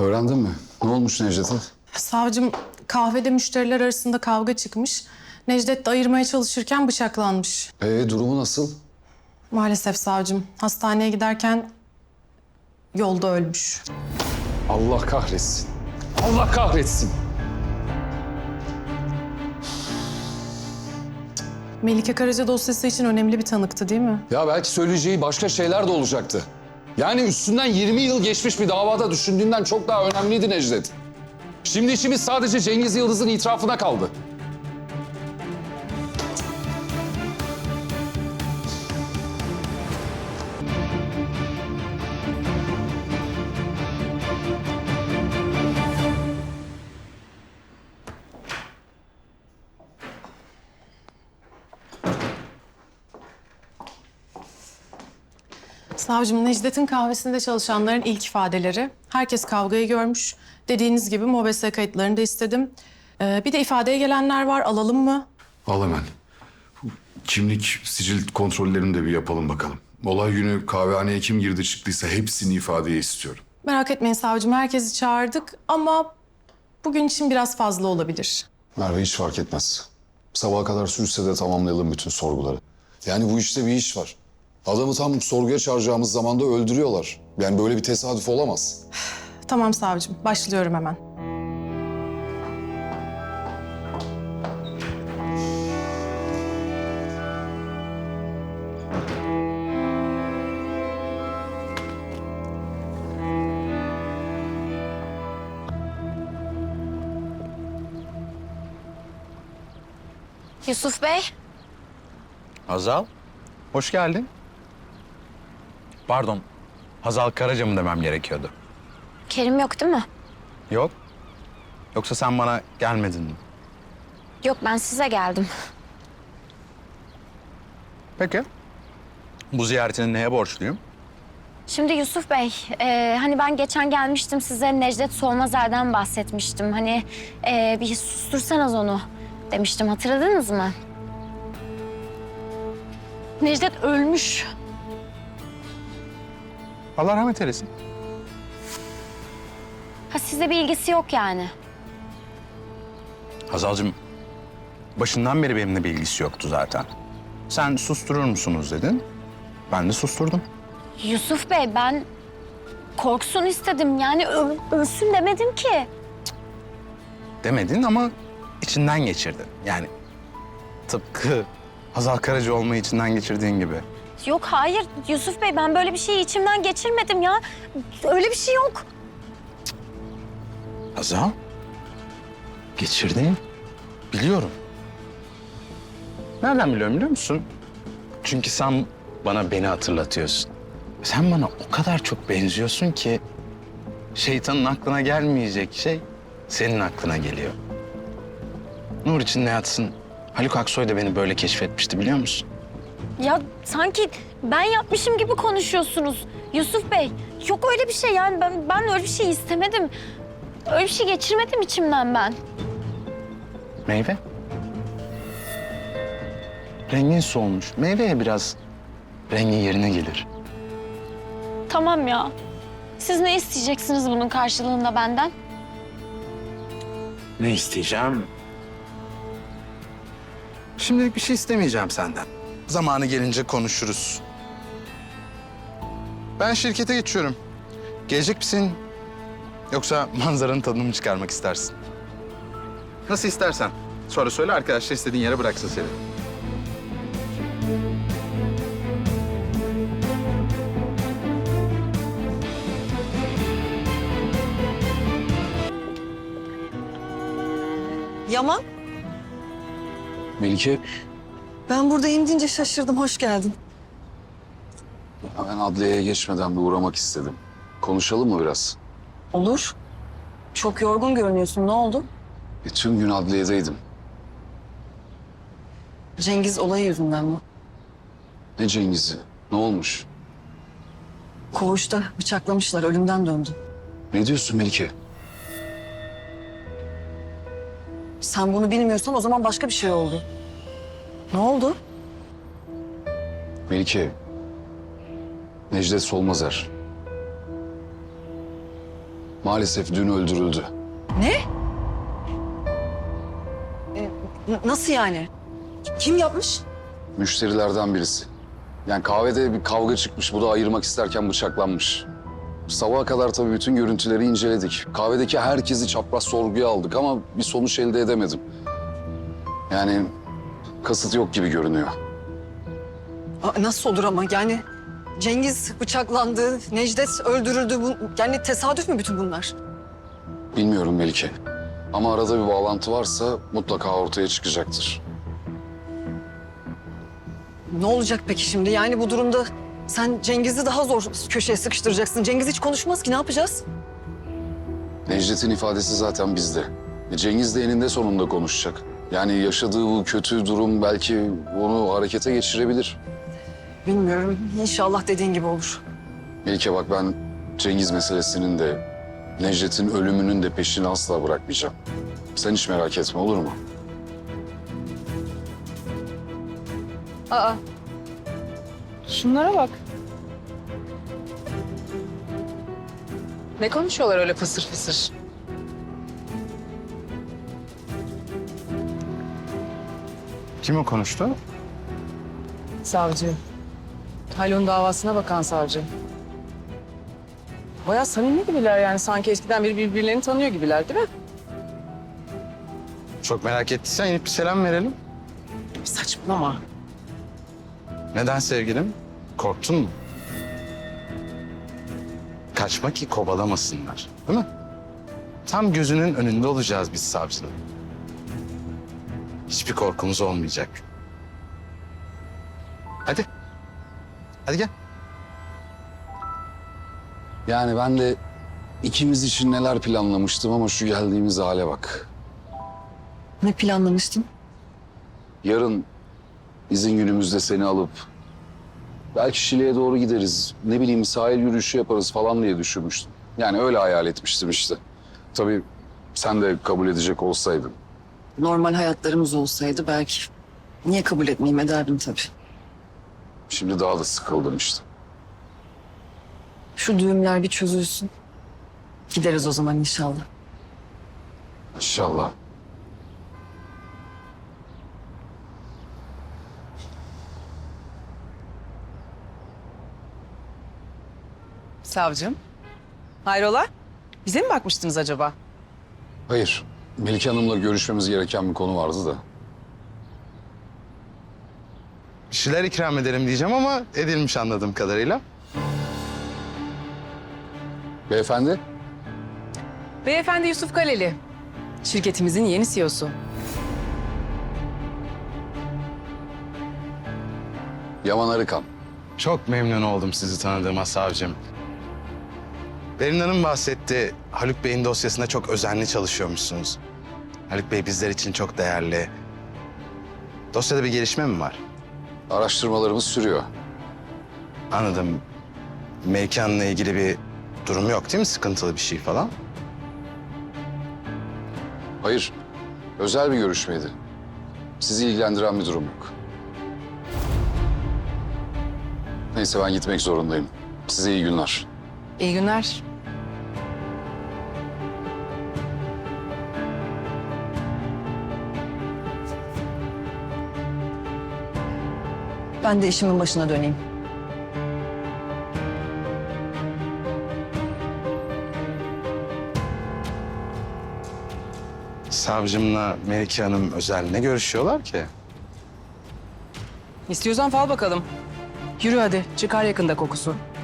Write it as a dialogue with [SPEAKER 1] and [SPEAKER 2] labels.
[SPEAKER 1] Öğrendin mi? Ne olmuş Necdet'e?
[SPEAKER 2] Savcım, kahvede müşteriler arasında kavga çıkmış. Necdet de ayırmaya çalışırken bıçaklanmış.
[SPEAKER 1] Durumu nasıl?
[SPEAKER 2] Maalesef savcım, hastaneye giderken yolda ölmüş.
[SPEAKER 1] Allah kahretsin. Allah kahretsin.
[SPEAKER 2] Melike Karaca dosyası için önemli bir tanıktı değil mi?
[SPEAKER 1] Ya belki söyleyeceği başka şeyler de olacaktı. Yani üstünden 20 yıl geçmiş bir davada düşündüğünden çok daha önemliydi Necdet. Şimdi işimiz sadece Cengiz Yıldız'ın itirafına kaldı.
[SPEAKER 2] Savcım, Necdet'in kahvesinde çalışanların ilk ifadeleri. Herkes kavgayı görmüş. Dediğiniz gibi MOBESE kayıtlarını da istedim. Bir de ifadeye gelenler var, alalım mı?
[SPEAKER 3] Al hemen. Kimlik, sicil kontrollerini de bir yapalım bakalım. Olay günü kahvehaneye kim girdi çıktıysa hepsini ifadeye istiyorum.
[SPEAKER 2] Merak etmeyin savcım, herkesi çağırdık ama bugün için biraz fazla olabilir.
[SPEAKER 1] Merve hiç fark etmez. Sabaha kadar sürse de tamamlayalım bütün sorguları. Yani bu işte bir iş var. Adamı tam sorguya çağıracağımız zamanda öldürüyorlar. Yani böyle bir tesadüf olamaz.
[SPEAKER 2] Tamam savcım, başlıyorum hemen.
[SPEAKER 4] Yusuf Bey,
[SPEAKER 5] Hazal, hoş geldin. Pardon, Hazal Karaca mı demem gerekiyordu?
[SPEAKER 4] Kerim yok değil mi?
[SPEAKER 5] Yok. Yoksa sen bana gelmedin mi?
[SPEAKER 4] Yok, ben size geldim.
[SPEAKER 5] Peki. Bu ziyaretini neye borçluyum?
[SPEAKER 4] Şimdi Yusuf Bey, hani ben geçen gelmiştim size Necdet Solmazer'den bahsetmiştim. Hani bir sustursanız onu demiştim, hatırladınız mı? Necdet ölmüş.
[SPEAKER 5] Allah rahmet eylesin.
[SPEAKER 4] Ha, size bir ilgisi yok yani.
[SPEAKER 5] Hazal'cığım, başından beri benimle bir ilgisi yoktu zaten. Sen susturur musunuz dedin. Ben de susturdum.
[SPEAKER 4] Yusuf Bey, ben korksun istedim. Yani ölsün demedim ki.
[SPEAKER 5] Demedin ama içinden geçirdin. Yani tıpkı Hazal Karaca olmayı içinden geçirdiğin gibi.
[SPEAKER 4] Yok, hayır Yusuf Bey, ben böyle bir şeyi içimden geçirmedim ya. Öyle bir şey yok.
[SPEAKER 5] Hazal, geçirdin. Biliyorum. Nereden biliyorum biliyor musun? Çünkü sen bana beni hatırlatıyorsun. Sen bana o kadar çok benziyorsun ki şeytanın aklına gelmeyecek şey senin aklına geliyor. Nur içinde yatsın. Haluk Aksoy da beni böyle keşfetmişti biliyor musun?
[SPEAKER 4] Ya sanki ben yapmışım gibi konuşuyorsunuz Yusuf Bey. Yok öyle bir şey yani ben öyle bir şey istemedim. Öyle bir şey geçirmedim içimden ben.
[SPEAKER 5] Meyve. Rengin solmuş. Meyveye biraz rengin yerine gelir.
[SPEAKER 4] Tamam ya. Siz ne isteyeceksiniz bunun karşılığında benden?
[SPEAKER 5] Ne isteyeceğim? Şimdilik bir şey istemeyeceğim senden. Zamanı gelince konuşuruz. Ben şirkete geçiyorum. Gelecek misin? Yoksa manzaranın tadını mı çıkarmak istersin? Nasıl istersen. Sonra söyle, arkadaşlar istediğin yere bıraksın seni.
[SPEAKER 6] Yaman,
[SPEAKER 1] Melike,
[SPEAKER 6] ben buradayım deyince şaşırdım. Hoş geldin.
[SPEAKER 1] ben adliyeye geçmeden bir uğramak istedim. Konuşalım mı biraz?
[SPEAKER 6] Olur. Çok yorgun görünüyorsun. Ne oldu?
[SPEAKER 1] Tüm gün adliyedeydim.
[SPEAKER 6] Cengiz olayı yüzünden mi?
[SPEAKER 1] Ne Cengiz'i? Ne olmuş?
[SPEAKER 6] Koğuşta bıçaklamışlar. Ölümden döndü.
[SPEAKER 1] Ne diyorsun Melike?
[SPEAKER 6] Sen bunu bilmiyorsan o zaman başka bir şey oldu. Ne oldu?
[SPEAKER 1] Melike, Necdet Solmazer. Maalesef dün öldürüldü.
[SPEAKER 6] Ne? Nasıl yani? Kim yapmış?
[SPEAKER 1] Müşterilerden birisi. Yani kahvede bir kavga çıkmış. Bu da ayırmak isterken bıçaklanmış. Sabaha kadar tabii bütün görüntüleri inceledik. Kahvedeki herkesi çapraz sorguya aldık ama bir sonuç elde edemedim. Yani kasıt yok gibi görünüyor.
[SPEAKER 6] Nasıl olur ama yani Cengiz bıçaklandı, Necdet öldürüldü. Yani tesadüf mü bütün bunlar?
[SPEAKER 1] Bilmiyorum Melike. Ama arada bir bağlantı varsa mutlaka ortaya çıkacaktır.
[SPEAKER 6] Ne olacak peki şimdi? Yani bu durumda sen Cengiz'i daha zor köşeye sıkıştıracaksın. Cengiz hiç konuşmaz ki, ne yapacağız?
[SPEAKER 1] Necdet'in ifadesi zaten bizde. Cengiz de eninde sonunda konuşacak. Yani yaşadığı bu kötü durum belki onu harekete geçirebilir.
[SPEAKER 6] Bilmiyorum. İnşallah dediğin gibi olur.
[SPEAKER 1] Melike bak, ben Cengiz meselesinin de Necdet'in ölümünün de peşini asla bırakmayacağım. Sen hiç merak etme, olur mu?
[SPEAKER 7] Aa. Şunlara bak. Ne konuşuyorlar öyle fısır fısır?
[SPEAKER 5] Kim o konuştu?
[SPEAKER 7] Savcı. Haluk'un davasına bakan savcı. Bayağı samimi gibiler yani. Sanki eskiden beri birbirlerini tanıyor gibiler değil mi?
[SPEAKER 5] Çok merak ettiysen inip bir selam verelim.
[SPEAKER 7] Saçmalama.
[SPEAKER 5] Neden sevgilim? Korktun mu? Kaçma ki kovalamasınlar, değil mi? Tam gözünün önünde olacağız biz savcının. Hiçbir korkumuz olmayacak. Hadi. Hadi gel.
[SPEAKER 1] Yani ben de ikimiz için neler planlamıştım ama şu geldiğimiz hale bak.
[SPEAKER 6] Ne planlamıştın?
[SPEAKER 1] Yarın izin günümüzde seni alıp belki Şile'ye doğru gideriz. Ne bileyim sahil yürüyüşü yaparız falan diye düşünmüştüm. Yani öyle hayal etmiştim işte. Tabii sen de kabul edecek olsaydın.
[SPEAKER 6] Normal hayatlarımız olsaydı belki. Niye kabul etmeyeyim, ederdim tabii.
[SPEAKER 1] Şimdi daha da sıkıldım işte.
[SPEAKER 6] Şu düğümler bir çözülsün. Gideriz o zaman inşallah.
[SPEAKER 1] İnşallah.
[SPEAKER 7] Savcım. Hayrola? Bize mi bakmıştınız acaba?
[SPEAKER 1] Hayır. Melike Hanım'la görüşmemiz gereken bir konu vardı da.
[SPEAKER 5] Bir şeyler ikram edelim diyeceğim ama edilmiş anladığım kadarıyla.
[SPEAKER 1] Beyefendi,
[SPEAKER 7] Beyefendi Yusuf Kaleli. Şirketimizin yeni CEO'su.
[SPEAKER 1] Yaman Arıkan.
[SPEAKER 5] Çok memnun oldum sizi tanıdığıma savcım. Berin Hanım bahsetti. Haluk Bey'in dosyasında çok özenli çalışıyormuşsunuz. Haluk Bey bizler için çok değerli. Dosyada bir gelişme mi var?
[SPEAKER 1] Araştırmalarımız sürüyor.
[SPEAKER 5] Anladım. Mekanla ilgili bir durum yok değil mi? Sıkıntılı bir şey falan.
[SPEAKER 1] Hayır, özel bir görüşmeydi. Sizi ilgilendiren bir durum yok. Neyse ben gitmek zorundayım. Size iyi günler.
[SPEAKER 7] İyi günler.
[SPEAKER 6] Ben de işimin başına döneyim.
[SPEAKER 5] Savcımla Melike Hanım özel ne görüşüyorlar ki?
[SPEAKER 7] İstiyorsan fal bakalım. Yürü hadi. Çıkar yakında kokusu.